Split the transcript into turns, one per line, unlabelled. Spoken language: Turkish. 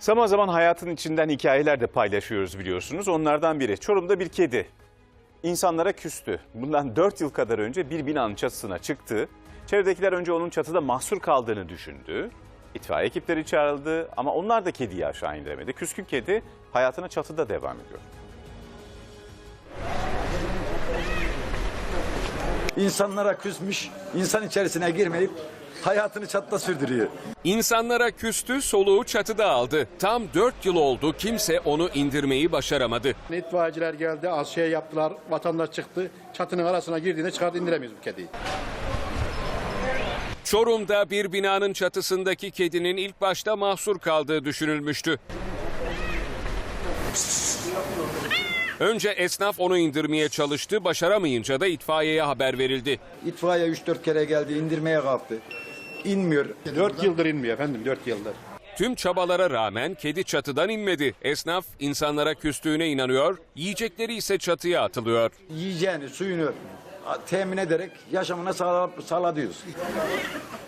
Zaman zaman hayatın içinden hikayeler de paylaşıyoruz biliyorsunuz. Onlardan biri Çorum'da bir kedi insanlara küstü. Bundan 4 yıl kadar önce bir binanın çatısına çıktı. Çevredekiler önce onun çatıda mahsur kaldığını düşündü. İtfaiye ekipleri çağrıldı ama onlar da kediyi aşağı indiremedi. Küskün kedi hayatına çatıda devam ediyor.
İnsanlara küsmüş, insan içerisine girmeyip hayatını çatıda sürdürüyor.
İnsanlara küstü, soluğu çatıda aldı. Tam 4 yıl oldu, kimse onu indirmeyi başaramadı.
İtfaiyeciler geldi, az şey yaptılar, vatandaş çıktı. Çatının arasına girdiğinde çıkardı, indiremiyoruz bu kediyi.
Çorum'da bir binanın çatısındaki kedinin ilk başta mahsur kaldığı düşünülmüştü. Önce esnaf onu indirmeye çalıştı, başaramayınca da itfaiyeye haber verildi.
İtfaiye 3-4 kere geldi, indirmeye kalktı. İnmiyor.
4 yıldır inmiyor efendim, 4 yıldır.
Tüm çabalara rağmen kedi çatıdan inmedi. Esnaf insanlara küstüğüne inanıyor, yiyecekleri ise çatıya atılıyor.
Yiyeceğini, suyunu temin ederek yaşamına sağlıyoruz.